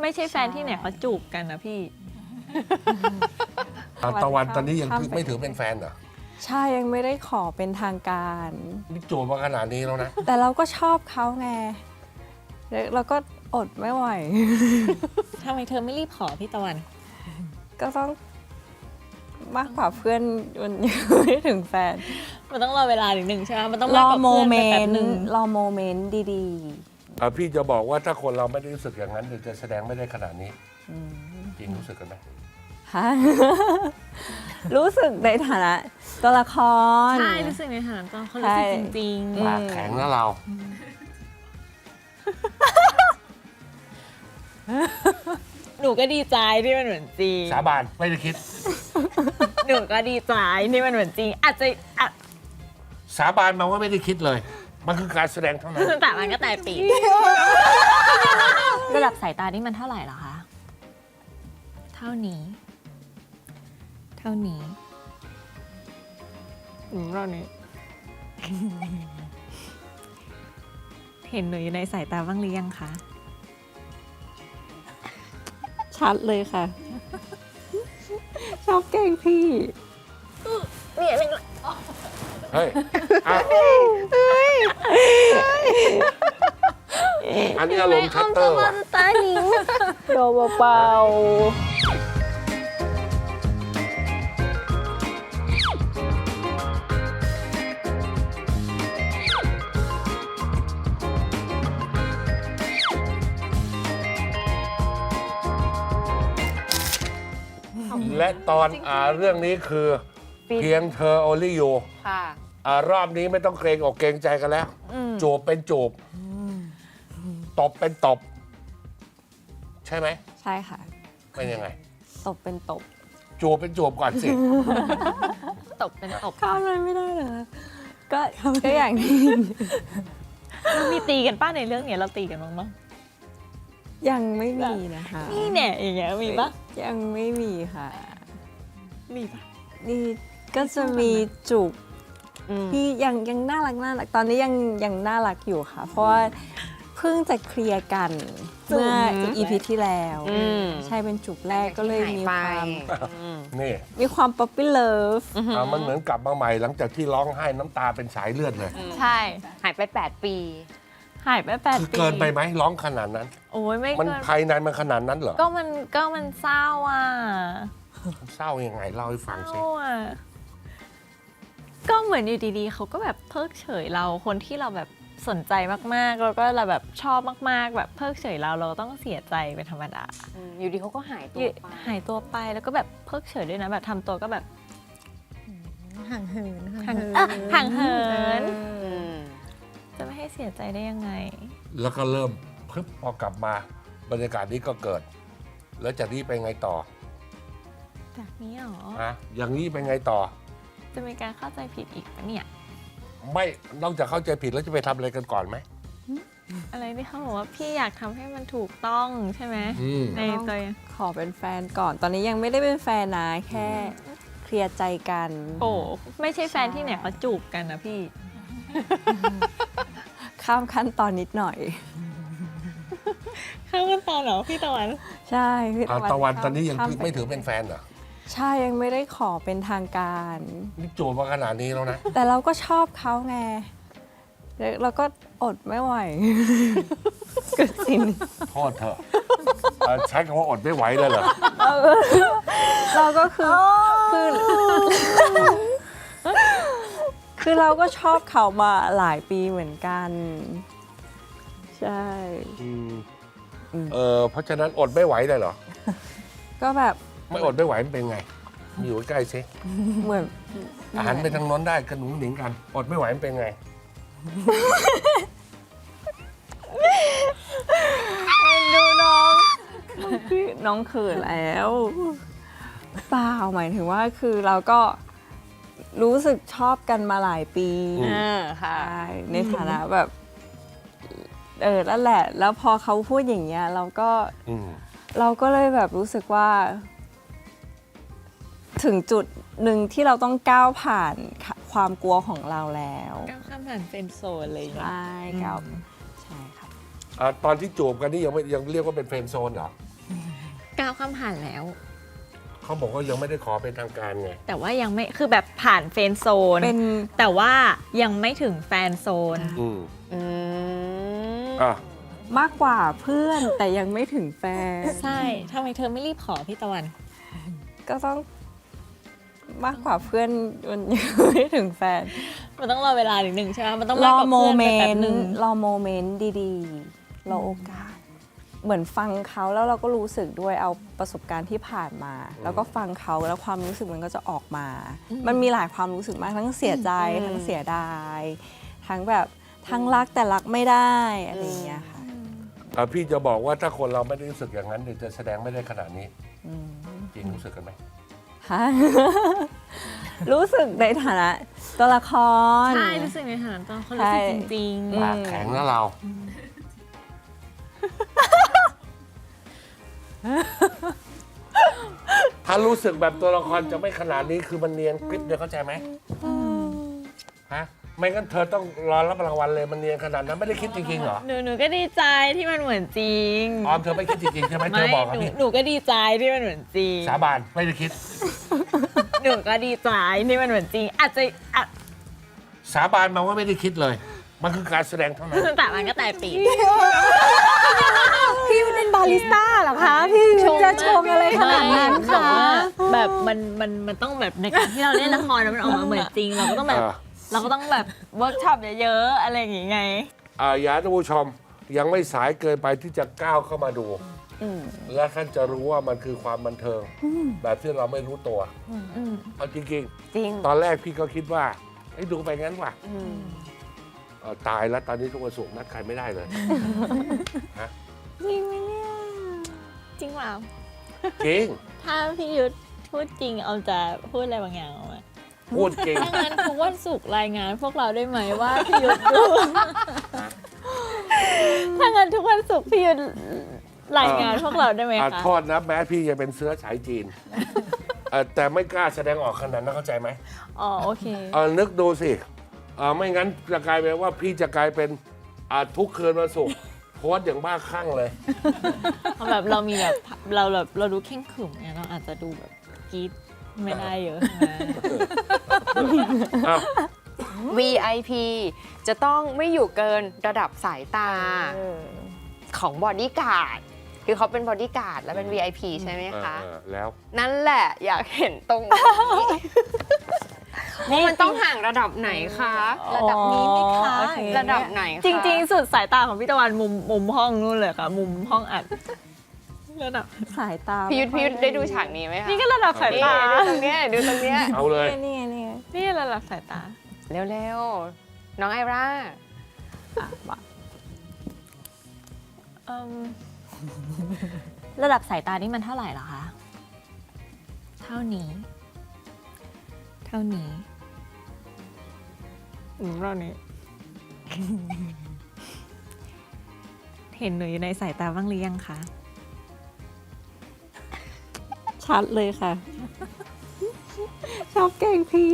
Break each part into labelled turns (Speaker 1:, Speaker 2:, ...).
Speaker 1: ไม่ใช่แฟนที่ไหนเขาจูบกันนะพี่
Speaker 2: ตะวันตอนนี้ยังไม่ถือเป็นแฟนเหรอ
Speaker 3: ใช่ยังไม่ได้ขอเป็นทางการ
Speaker 2: นี่จูบมาขนาดนี้แล้วนะ
Speaker 3: แต่เราก็ชอบเขาไงแล้วเราก็อดไม่ไหว
Speaker 1: ทำไมเธอไม่รีบขอพี่ตะวัน
Speaker 3: ก็ต้องมากกว่าเพื่อนมันยังไม่ถึงแฟน
Speaker 1: มันต้องรอเวลาหนึ่งใช่ไหมมันต้อง
Speaker 3: ร
Speaker 1: มาก
Speaker 3: อก
Speaker 1: ว่า
Speaker 3: โม
Speaker 1: เพื่อน
Speaker 3: เม
Speaker 1: ไปแป๊
Speaker 3: น
Speaker 1: บหนึ่ง
Speaker 3: ต์รอโมเมนต์ดี
Speaker 2: พี่จะบอกว่าถ้าคนเราไม่ได้รู้สึกอย่างนั้นเดี๋ยวจะแสดงไม่ได้ขนาดนี้จริงรู้สึกกันไหม
Speaker 3: ๆฮะ รู้สึกในฐานะตัวละคร
Speaker 1: ใช่รู้สึกในฐานะตอนเขารู้สึกจริง
Speaker 2: ปากแข็งนะเรา
Speaker 1: ๆ หนูก็ดีใจที่มันเหมือนจริง
Speaker 2: สาบานไม่ได้คิด
Speaker 1: หนูก็ดีใจที่มันเหมือนจริง อาจจะ
Speaker 2: สาบานมาว่าไม่ได้คิดเลย มันคือการแสดงเท่านั้น
Speaker 1: แต่มันก็แต่ปีระดับสายตานี่มันเท่าไหร่เหรอคะ เท่านี้ เท่านี้เท่านี้ เห็นหนูอยู่ในสายตาบ้างหรือยังคะ
Speaker 3: ชัดเลยค่ะ ชอบแกล้งพี่
Speaker 2: เฮ้ยอ่ะอันนี้อารมณ์ชัตเตอร์ว่ะ
Speaker 1: ตาหนิง
Speaker 3: โดเบา
Speaker 2: และตอนเรื่องนี้คือ เพียงเธอ only you
Speaker 3: ค่ะ
Speaker 2: รอบนี้ไม่ต้องเกรงอกเกรงใจกันแล้ว จูบเป็นจูบตบเป็นตบ ใช่ไหม
Speaker 3: ใช่ค่ะ
Speaker 2: เป็นยังไง
Speaker 3: ตบเป็นตบ
Speaker 2: จูบเป็นจูบก่อนสิ
Speaker 1: ตบเป็นตบ
Speaker 3: ข้ามอะไรไม่ได้เหรอก็อย่างที่
Speaker 1: มีตีกันป้าในเรื่องเนี้ยเราตีกันบ้างปะ
Speaker 3: ยังไม่มีนะคะ
Speaker 1: นี่เนี่ยอย่างเงี้ยมีปะ
Speaker 3: ยังไม่มีค่ะ
Speaker 1: มีปะ
Speaker 3: นี่ก็จะมีจูบที่ยังน่ารักตอนนี้ยังน่ารักอยู่ค่ะ เพราะว่าเพิ่งจะเคลียร์กันเมื่อEPที่แล้ว ใช่เป็นจูบแรกก็เลยมีความ
Speaker 2: นี่
Speaker 3: ป๊อปปี้เลิฟ
Speaker 2: มันเหมือนกลับมาใหม่หลังจากที่ร้องไห้น้ำตาเป็นสายเลือดเลย
Speaker 1: ใช่
Speaker 4: หายไป 8 ปี
Speaker 1: หายไป8
Speaker 2: คือ
Speaker 1: ปี
Speaker 2: เกินไปไหมร้องขนาดนั้น
Speaker 1: โอ้ยไม่
Speaker 2: มัน
Speaker 1: เกิน
Speaker 2: ภายในมันขนาดนั้นเหรอ
Speaker 1: ก็มันเศร้าอ่ะ
Speaker 2: เศร้ายังไงเล่าให้ฟัง
Speaker 1: เศ
Speaker 2: สิ
Speaker 1: ร้าอ่ะก็เหมือนอยู่ดีๆเขาก็แบบเพิกเฉยเราคนที่เราแบบสนใจมากๆแล้วก็เราแบบชอบมากๆ แบบเพิกเฉยเราต้องเสียใจเป็นธรรมดา
Speaker 4: อยู่ดีเขาก็หายตัวไป
Speaker 1: หายตัวไปแล้วก็แบบเพิกเฉยด้วยนะแบบทำตัวก็แบบ
Speaker 3: ห่างเหิน
Speaker 1: ห่างเหิน
Speaker 4: อืม
Speaker 1: จะไม่ให้เสียใจได้ยังไง
Speaker 2: แล้วก็เริ่มพึบพอกลับมาบรรยากาศนี้ก็เกิด แล้วจากนี้ไปไงต่อ
Speaker 1: จากนี้หรอ
Speaker 2: ฮะอย่างนี้ไปไงต่อ
Speaker 1: จะมีการเข้าใจผิดอีกปะเนี่ย
Speaker 2: ไม่นอกจากเข้าใจผิดแล้วจะไปทำอะไรกันก่อนไหม
Speaker 1: อะไรที่เขาบอกว่าพี่อยากทำให้มันถูกต้องใช่ไหม
Speaker 2: อืม
Speaker 1: ในตัว
Speaker 3: ขอเป็นแฟนก่อน ตอนนี้ยังไม่ได้เป็นแฟนนะ แค่เคลียร์ใจกัน
Speaker 1: โอ้ไม่ใช่แฟนที่ไหนเขาจูบกันนะพี่
Speaker 3: ข้ามขั้นตอนนิดหน่อย
Speaker 1: ข้ามกันตอนเหรอพี่ตะวัน
Speaker 3: ใช่พี่
Speaker 2: ตะวันตอนนี้ยัง
Speaker 3: ข้า
Speaker 2: ไม่ถือเป็นแฟนเหรอ
Speaker 3: ใช่ยังไม่ได้ขอเป็นทางการ
Speaker 2: นี่จูบมาขนาดนี้แล้วนะ
Speaker 3: แต่เราก็ชอบเขาไงแล้วเราก็อดไม่ไหว เกิดสิ่งนี้
Speaker 2: โทษเถอะใช้คำว่าอดไม่ไหวเลยเหรอ
Speaker 3: เราก็คือคือเราก็ชอบเขามาหลายปีเหมือนกัน ใช่
Speaker 2: เพราะฉะนั้นอดไม่ไหวเลยเหรอ
Speaker 3: ก็แบบ
Speaker 2: ไม่อดไม่ไหวมันเป็นไงมาอยู่ใกล้ๆสิ
Speaker 3: เหมือน
Speaker 2: อาหารไปทางโน้นได้กระหนุงหนิงกัน อดไม่ไหวมันเป็นไง
Speaker 3: ดูน้องเขินแล้วเปล่าหมายถึงว่าคือเราก็รู้สึกชอบกันมาหลายปี
Speaker 4: ค่ะ
Speaker 3: ใช่ในฐานะแบบนั่นแหละ แล้วพอเขาพูดอย่างเงี้ยเราก็เลยแบบรู้สึกว่า ถึงจุดหนึ่งที่เราต้องก้าวผ่านความกลัวของเราแล้ว
Speaker 1: ก้าวข้ามผ่านเฟรนด์โซนอะไรอย่าง
Speaker 3: ใช
Speaker 1: เงี้ย่
Speaker 3: ก้าวใช่ครับ
Speaker 2: ตอนที่จูบกันนี่ยังเรียกว่าเป็นเฟรนด์โซนเหรอ
Speaker 1: ความผ่านแล้ว
Speaker 2: เขาบอกว่ายังไม่ได้ขอเป็นทางการไง
Speaker 1: แต่ว่ายังไม่คือแบบผ่านเฟรนด์โซน
Speaker 3: เป็น
Speaker 1: แต่ว่ายังไม่ถึงแฟนโซน
Speaker 2: อืม
Speaker 4: อืม
Speaker 2: อ่ะ
Speaker 3: มากกว่าเพื่อนแต่ยังไม่ถึงแฟน
Speaker 1: ใช่ทำไมเธอไม่รีบขอพี่ตะวัน
Speaker 3: ก็ต้องมากกว่าเพื่อนมันยังไม่ถึงแฟน
Speaker 1: มันต้องรอเวลาหนึ่งใช่ไหมมันต้อง
Speaker 3: ร
Speaker 1: มาก
Speaker 3: อก
Speaker 1: ว่า
Speaker 3: โม
Speaker 1: เพื่อน
Speaker 3: เม
Speaker 1: ไปแป๊
Speaker 3: น
Speaker 1: บ
Speaker 3: ต์
Speaker 1: หนึ่ง
Speaker 3: รอโมเมนต์ดีๆรอโอกาส เหมือนฟังเขาแล้วเราก็รู้สึกด้วยเอาประสบการณ์ที่ผ่านมา แล้วก็ฟังเขาแล้วความรู้สึกมันก็จะออกมา มันมีหลายความรู้สึกมากทั้งเสียใจทั้งเสียดายทั้งแบบทั้งรักแต่รักไม่ได้อะไรอย่างเงี้ยค่ะ
Speaker 2: พี่จะบอกว่าถ้าคนเราไม่ได้รู้สึกอย่างนั้นเดี๋ยวจะแสดงไม่ได้ขนาดนี้จริงรู้สึกกันไหม
Speaker 3: ฮะ รู้สึกในฐานะตัวละคร
Speaker 1: ใช่รู้สึกในฐานะตอนเขารู้สึกจริง
Speaker 2: ปากแข็งนะเรา ถ้ารู้สึกแบบตัวละครจะไม่ขนาดนี้คือมันเนียนกริบเนี่ยเข้าใจไหมฮะไม่งั้นเธอต้องรอรับรางวัลเลยมันเนียนขนาดนั้นไม่ได้คิดจริงๆเหรอ
Speaker 1: หนูก็ดีใจที่มันเหมือนจริง
Speaker 2: ออมเธอไม่คิดจริงๆใช่ไหมเธอบอกกับพี่
Speaker 1: หนูก็ดีใจที่มันเหมือนจริง
Speaker 2: สาบานไม่ได้คิด
Speaker 1: หนูก็ดีใจที่มันเหมือนจริง อาจจะ
Speaker 2: สาบานมาว่าไม่ได้คิดเลย มันคือการแสดงเท่านั้น
Speaker 1: แต่มันก็แต่ปี
Speaker 3: พี่เป็นบาริสต้าเหรอคะ พี่จะชงอะไรขนาดนั้น
Speaker 1: แต่
Speaker 3: คะ
Speaker 1: ว่าแบบมันต้องแบบในการที่เราเล่นละครแล้วมันออกมาเหมือนจริง เราก็ต้องแบบเราก็ต้องแบบเวิร์กช็อปเยอะๆอะไรอย่างงี้ไง
Speaker 2: อย่าท่านผู้ชมยังไม่สายเกินไปที่จะก้าวเข้ามาดู และท่านจะรู้ว่ามันคือความบันเทิง แบบที่เราไม่รู้ตัวเอาจริง
Speaker 4: จริง
Speaker 2: ๆ ตอนแรกพี่ก็คิดว่าไอ้ยดูไปงั้นว่ะตายแล้วตอนนี้ทุกวันศุกร์นัดใครไม่ได้เลย ฮะ
Speaker 3: จริงไหมเนี่ย
Speaker 1: จริงเปล่า
Speaker 2: จริง
Speaker 1: ถ้าพี่ยุทธพูดจริงเอาจะพูดอะไรบางอย่างออกมา
Speaker 2: พูดจริง
Speaker 1: ถ้างั้นทุกวันศุกร์รายงานพวกเราได้ไหมว่าพี่ยุทธดู ถ้างั้นทุกวันศุกร์พี่ยุทธรายงานพวกเราได้ไหมคะ
Speaker 2: โทษนะแม้พี่จะเป็นเสื้อสายจีนแต่ไม่กล้าแสดงออกขนาดนั้นเข้าใจไหม
Speaker 1: อ๋อโอเค
Speaker 2: นึกดูสิไม่งั้นจะกลายเป็นว่าพี่จะกลายเป็นทุกคืนวันศุกร์โพสต์อย่างบ้าคลั่งเลย
Speaker 1: แบบเรามีแบบเราดูเข่งขรึมเนี่ยเราอาจจะดูแบบกรี๊ดไม่ได้เยอะนะ
Speaker 2: อ้าว
Speaker 4: VIP จะต้องไม่อยู่เกินระดับสายตาของบอดี้การ์ดคือเขาเป็นบอดี้การ์ดแล้วเป็น VIP ใช่ไหมคะ
Speaker 2: แล้ว
Speaker 4: นั่นแหละอยากเห็นตรงนี้ว่ามันต้องห่างระดับไหนคะ
Speaker 1: ระดับนี้ไหมคะ
Speaker 3: โอเค
Speaker 4: ระดับไหนคะ
Speaker 1: จริงๆ สุดสายตาของพี่ตะวันมุมห้องนู่นเลยค่ะ มุมห้องอัดระดับ
Speaker 3: สายตา
Speaker 4: พี่ยุทธได้ดูฉากนี้ไหมคะ
Speaker 1: นี่ก็ระดับสาย
Speaker 4: นี่
Speaker 1: ตา
Speaker 4: ดูตรงเนี้ยดูตรงเนี้ย
Speaker 2: เอาเลย
Speaker 3: นี่ไงนี่ไง
Speaker 1: นี่ระดับสายตา
Speaker 4: เร็วๆ น้องไอร่า
Speaker 1: ระดับสายตานี่มันเท่าไหร่เหรอคะ เท่านี้ เท่านี้เท่านี้ เห็นหนูอยู่ในสายตาบ้างหรือยังคะ
Speaker 3: ชัดเลยค่ะ ชอบแกล้งพี่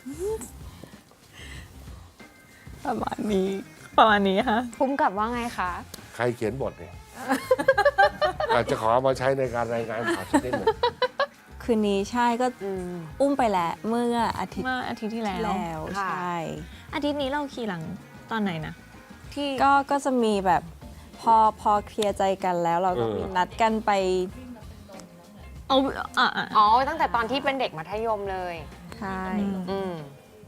Speaker 3: ประมาณนี้
Speaker 1: ประมาณนี้ค่ะ
Speaker 4: คุ้มกับว่าไงคะ
Speaker 2: ใครเขียนบทเนี่ย อาจจะขอเอามาใช้ในการรายงานข่าวสักนิดหนึ่ง
Speaker 3: คืนนี้ใช่ก็อุ้มไปแล้วเมื่ออาทิตย์
Speaker 1: เมื่ออาทิตย์ที่แล้ว
Speaker 3: แล้ว
Speaker 4: ค่ะ
Speaker 3: ใช่
Speaker 1: อาทิตย์นี้เราขี่หลังตอนไหนนะ ที่
Speaker 3: ก็จะมีแบบพอเคลียร์ใจกันแล้วเราก็มีนัดกันไป
Speaker 1: เอาอ่ะ
Speaker 4: อ๋อ ตั้งแต่ตอนที่เป็นเด็กมัธยมเลย
Speaker 3: ใช่
Speaker 4: อืม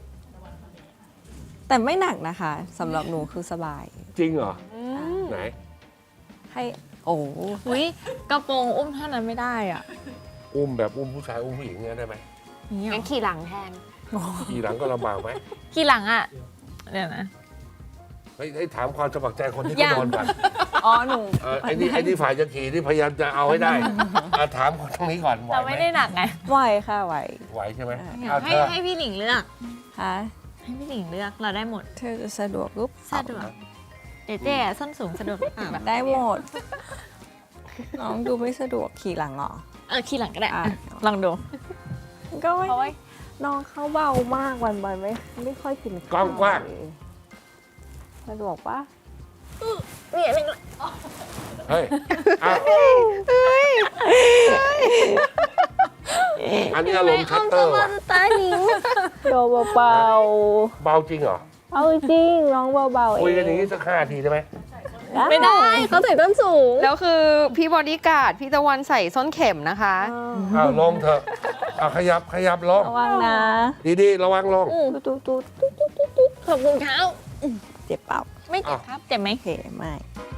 Speaker 3: แต่ไม่หนักนะคะสำหรับหนูคือสบาย
Speaker 2: จริงเหรอ ไหน
Speaker 3: ให้โอ้
Speaker 1: อุ้ยกระโปรงอุ้มเท่านั้นไม่ได้อ่ะ
Speaker 2: อุ้มแบบอุ้มผู้ชายอุ้มผู้หญิงเนี่ยได้ไหม
Speaker 1: นี่หร
Speaker 4: งั้
Speaker 1: อน
Speaker 4: ขี่หลังแทน
Speaker 2: ขี่หลังก็ลำบากไหม
Speaker 1: ขี่หลังอ่ะเดี๋ยวนะ
Speaker 2: เฮ้ยถามความสมัครใจคนที่
Speaker 1: ยั
Speaker 2: เขา
Speaker 1: ง
Speaker 2: โดนก่อน
Speaker 3: อ๋อหนู
Speaker 2: ไอ้นี่ฝ่ายจะขี่ที่พยายามจะเอาให้ได้ถามคนตรงนี้ก่อนไหว
Speaker 1: เรา
Speaker 2: ไหม
Speaker 1: ไม่ได้หนักไง
Speaker 3: ไหวค่ะไหว
Speaker 2: ไหวใช่ไหม
Speaker 1: ให้พี่หลิงเลือก
Speaker 3: ฮะ
Speaker 1: ให้พี่หลิงเลือกเราได้หมด
Speaker 3: เธอจะสะดวกปุ๊บ
Speaker 1: สะดวกเจ๊ ส้นสูงสะดวกหรือเปล่า
Speaker 3: ได้หมด น้องดูไม่สะดวกขี่หลังเหรอ
Speaker 1: ขี่หลังก็ได้
Speaker 3: อ่ะ
Speaker 1: ลองดู
Speaker 3: ก็ไม่
Speaker 1: เพราะว่า
Speaker 3: น้องเขาเบามากวันๆไม่ค่อยกิน
Speaker 2: กล้องกว้าง
Speaker 3: สะดวกปะ
Speaker 1: เนี่ย
Speaker 2: เฮ้ยอ้าวอันนี้อารมณ์ชัตเตอร์ว่ะ
Speaker 3: ตาหนิงโดเบา
Speaker 2: เบาจริงเหรอ
Speaker 3: ๆเอาจริงร้องเบาๆเอง
Speaker 2: คุยกันอย่างนี้สัก5 ทีได้ไหม
Speaker 3: ไม่ได้เขาใส่ต้นสูง
Speaker 4: แล้วคือพี่บอดี้การ์ดพี่ตะวันใส่ส้นเข็มนะคะ
Speaker 2: อ้าวลงเถอะเอาขยับลง
Speaker 3: ระวังนะ
Speaker 2: ดีๆระวังลง
Speaker 3: ตุ๊ด
Speaker 1: ขอบคุณครับ
Speaker 3: เจ็บเปล่า
Speaker 1: ไม่เจ็บครับ เจ็บไหม
Speaker 3: โอเคไม่